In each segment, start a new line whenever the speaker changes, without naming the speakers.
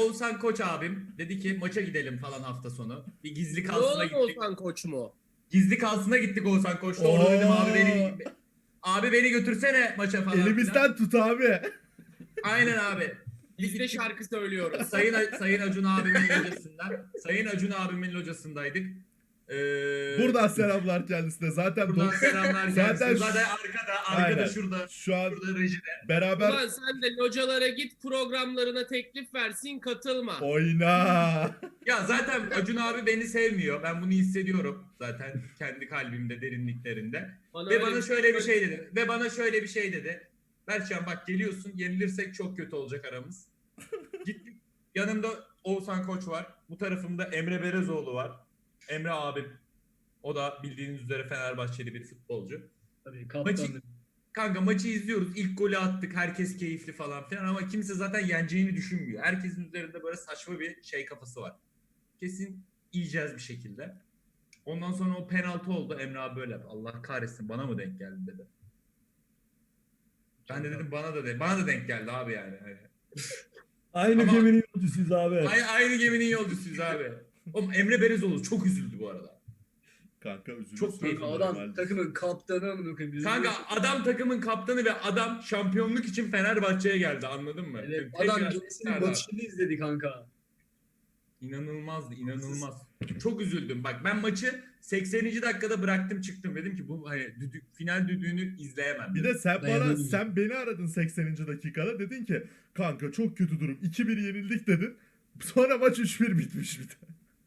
Oğuzhan Koç abim dedi ki maça gidelim falan hafta sonu. Bir gizli
Ne
kalsına
oğlum
gittik.
Oğuzhan Koç mu?
Gizli kalsına gittik Oğuzhan Koç'ta. Orada dedim abi beni götürsene maça falan filan.
Elimizden tut abi.
Aynen abi.
Biz de
Gittik.
şarkı söylüyoruz.
Sayın Acun abimin locasından. Sayın Acun abimin locasındaydık.
Buradan selamlar kendisine. Zaten
Buradan selamlar gelsin.
Zaten
Zaten arkada
Aynen.
şurada.
Şu an
Şurada rejide.
beraber
Ulan sen de localara git, programlarına teklif versin, katılma.
oyna.
Ya zaten Acun abi beni sevmiyor. Ben bunu hissediyorum zaten kendi kalbimde, derinliklerinde.
Bana
Ve
öyle
bana şöyle bir şey dedi. Berkcan bak geliyorsun, yenilirsek çok kötü olacak aramız. Gittik. Yanımda Oğuzhan Koç var. Bu tarafımda Emre Berezoğlu var. Emre abim. O da bildiğiniz üzere Fenerbahçeli bir futbolcu.
Tabii kaptan.
Kanka maçı izliyoruz. İlk golü attık. Herkes keyifli falan filan ama kimse zaten yeneceğini düşünmüyor. Herkesin üzerinde böyle saçma bir şey kafası var. Kesin yiyeceğiz bir şekilde. Ondan sonra o penaltı oldu. Emre abi böyle yaptı. Allah kahretsin bana mı denk geldi dedi. Ben de dedim bana da denk geldi abi yani.
Aynı
Ama-
geminin yolcusuyuz abi.
Aynı geminin yolcusuyuz abi. Oğlum Emre Berezoğlu çok üzüldü bu arada.
Kanka üzülürsün.
Çok keyifli
Adam takımın kaptanı amına koyayım. Bizim
Kanka adam takımın kaptanı ve adam şampiyonluk için Fenerbahçe'ye geldi anladın mı?
Evet,
Tekrar-
adam gemisinin
tekrar-
batışını izledi kanka.
İnanılmazdı, inanılmaz. Çok üzüldüm. Bak ben maçı 80. dakikada bıraktım çıktım. Dedim ki bu hani final düdüğünü izleyemem.
Bir de
Dayanamıyorum.
sen beni aradın 80. dakikada, dedin ki kanka çok kötü durum, 2-1 yenildik dedin. Sonra maç 3-1 bitmiş bir de.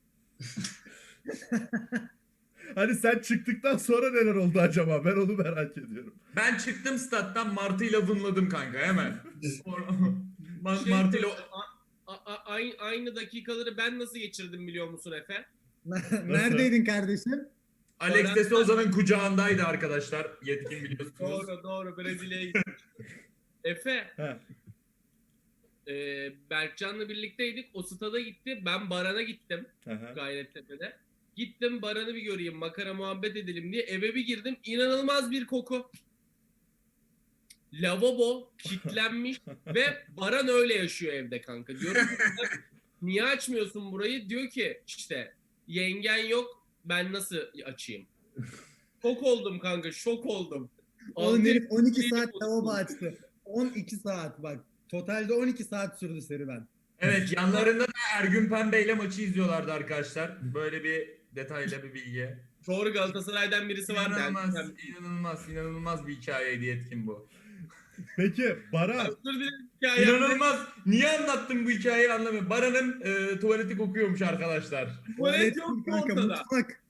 Hani sen çıktıktan sonra neler oldu acaba? Ben onu merak ediyorum.
Ben çıktım stat'tan Martı'yla vınladım kanka hemen. Martı'yla
Aynı dakikaları ben nasıl geçirdim biliyor musun Efe?
Neredeydin kardeşim?
Alex de Souza'nın kucağındaydı arkadaşlar. Yetkin biliyorsunuz.
Doğru Brezilya'ya gittim. Efe,
He.
Berkcan'la birlikteydik. O stada gitti. Ben Baran'a gittim.
Aha.
Gayrettepe'de. Gittim Baran'ı bir göreyim, makara muhabbet edelim diye. Eve bir girdim. İnanılmaz bir koku. Lavabo kilitlenmiş ve Baran öyle yaşıyor evde kanka. Diyorum ki, niye açmıyorsun burayı? Diyor ki işte yengen yok, ben nasıl açayım? Şok oldum kanka, şok oldum.
Oğlum herif 12
Anlayıp-
saat lavabo açtı. 12 saat bak. Totalde 12 saat sürdü serüven.
Evet yanlarında da Ergün Pembe ile maçı izliyorlardı arkadaşlar. Böyle bir detaylı bir bilgi.
Doğru, Galatasaray'dan birisi var.
İnanılmaz bir hikayeydi Yetkin bu.
Peki Baran,
Özür dilerim hikayemde.
İnanılmaz. Niye anlattım bu hikayeyi anlamıyorum. Baran'ın tuvaleti kokuyormuş arkadaşlar.
Tuvalet yok mu
Kanka
ortada?
mutfak.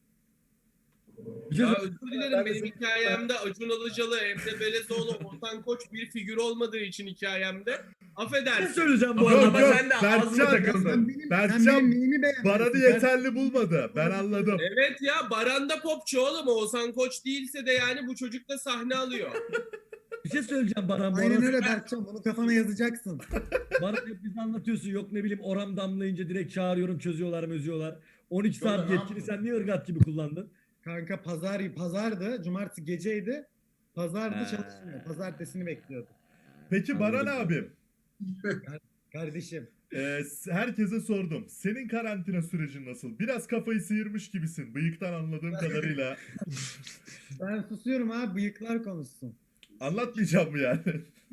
Ya özür dilerim, benim hikayemde Acun Ilıcalı, Emre Belezoğlu, Oğuzhan Koç bir figür olmadığı için hikayemde.
Ne
Affedersin.
söyleyeceğim bu
Yok,
arada?
ama
yok,
sen de az mı
Berkcan,
takıldın?
Sen benim
Berkcan
neyimi beğenmedin?
Baran'ı yeterli bulmadı. Ben anladım.
Evet ya, Baran'da popçu oğlum. Oğuzhan Koç değilse de yani bu çocuk da sahne alıyor.
Bir şey söyleyeceğim Baran. Bu
Aynen
arada.
öyle Berkcan, bunu kafana yazacaksın.
Baran hep bize anlatıyorsun. Yok ne bileyim oram damlayınca direkt çağırıyorum, çözüyorlar mözüyorlar. 12
Yok,
saat
ne
yetkini sen niye ırgat gibi kullandın?
Kanka pazardı, cumartesi geceydi. Pazardı
Ha.
çalışmıyor. Pazartesini bekliyordu.
Peki Baran
Anladım.
abim,
Kardeşim.
herkese sordum. Senin karantina sürecin nasıl? Biraz kafayı sıyırmış gibisin. Bıyıktan anladığım kadarıyla.
Ben susuyorum abi, bıyıklar konuşsun.
Anlatmayacağım mı yani?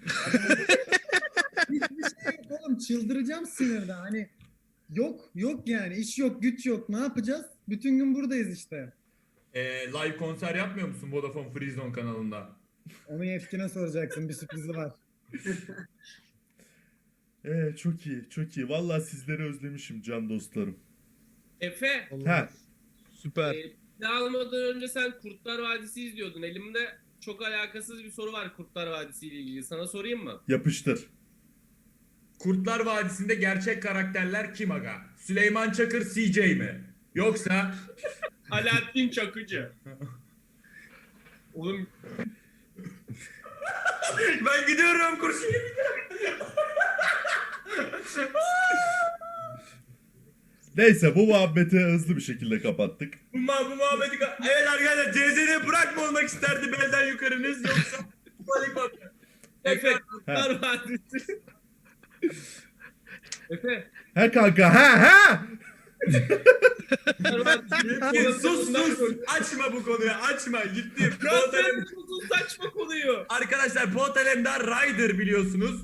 Hiçbir şey yok oğlum, çıldıracağım sinirden. Hani yok yani, iş yok, güç yok. Ne yapacağız? Bütün gün buradayız işte.
Live konser yapmıyor musun Vodafone Freezone kanalında?
Onu yetkine soracaksın, bir sürprizi var.
Çok iyi, çok iyi. Vallahi sizleri özlemişim can dostlarım.
Efe,
Ha,
Süper.
ne almadan önce sen Kurtlar Vadisi izliyordun. Elimde çok alakasız bir soru var Kurtlar Vadisi ile ilgili. Sana sorayım mı?
yapıştır.
Kurtlar Vadisi'nde gerçek karakterler kim aga? Süleyman Çakır CJ mi? Yoksa
Alaaddin Çakıcı. Oğlum
ben gidiyorum kurşun.
Neyse bu muhabbeti hızlı bir şekilde kapattık.
Bu muhabbeti... Evet arkadaşlar CZ'de bırak mı olmak isterdi belden yukarınız yoksa...
Efe Kurtlar Vadisi. Efe.
He kanka he.
Sus açma bu konuyu açma gittim.
Göster bu saçma konuyu.
Arkadaşlar Polat Alemdar Ryder biliyorsunuz.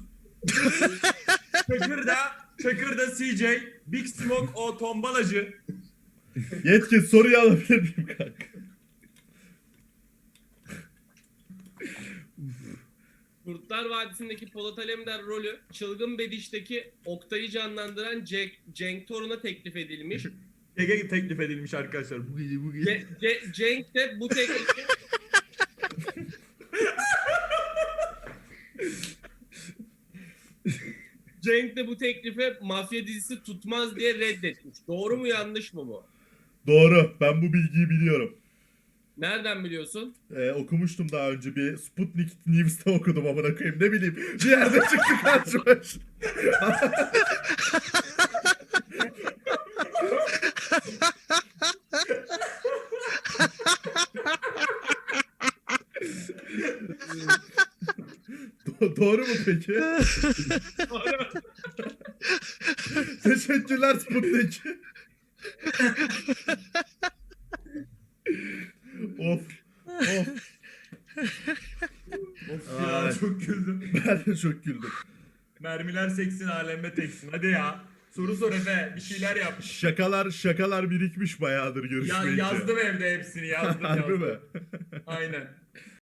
Çakır'da CJ, Big Smoke o tombalacı.
Yetkin soruyu alabilir miyim kanka?
Kurtlar Vadisi'ndeki Polat Alemdar rolü Çılgın Bediş'teki Oktay'ı canlandıran Cenk Torun'a teklif edilmiş.
Ege teklif edilmiş arkadaşlar. Bu gece.
Cenk de bu teklifi Cenk de bu teklife mafya dizisi tutmaz diye reddetmiş. Doğru mu yanlış mı bu?
Doğru. Ben bu bilgiyi biliyorum.
Nereden biliyorsun?
Okumuştum daha önce bir Sputnik News'ta okudum amına koyayım ne bileyim. Bir yerde çıktı karşıma. Doğru mu peki? Teşekkürler Sputnik. Of.
Of ya
Ay.
çok güldüm.
Ben de çok güldüm.
Mermiler seksin alemde teksin. Hadi ya. Soru sor Efe. Bir şeyler yap.
Şakalar birikmiş bayağıdır
Ya,
görüşmeyince.
yazdım evde hepsini yazdım.
Harbi
yazdım.
mi?
Aynen.